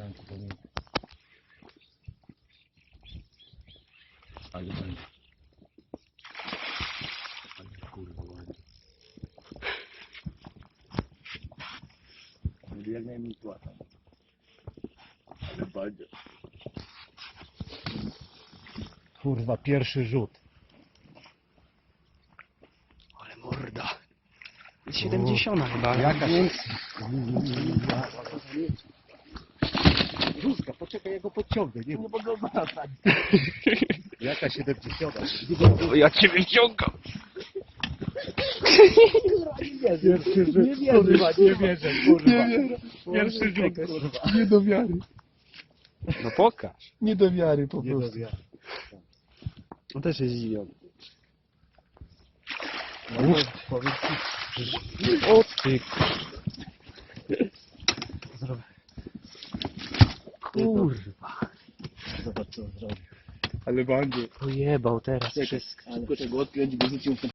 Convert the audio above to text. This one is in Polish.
Chciałem to powiedzieć. Ale będzie. Ale kurwa ładnie. Będzie jak najmniej płata. Ale będzie. Kurwa, pierwszy rzut. Ale morda. 70 chyba. Jaka jest? Rózga, poczekaj, ja go podciągnę. Nie mogę wracać. Jaka 70? O, ja cię wyciągam. Pierwszy rzut. Nie wierzę, kurwa, nie wierzę, kurwa. Pierwszy rzut, kurwa. Nie do wiary. No pokaż. Nie do wiary po Nie do prostu. wiary. On też jest zdziwiony. No, powiedz ci. O ty. Kurwa. Zobacz co on zrobił. Ale będzie. Pojebał teraz wszystko. Ale czego odkręć, bo rzucił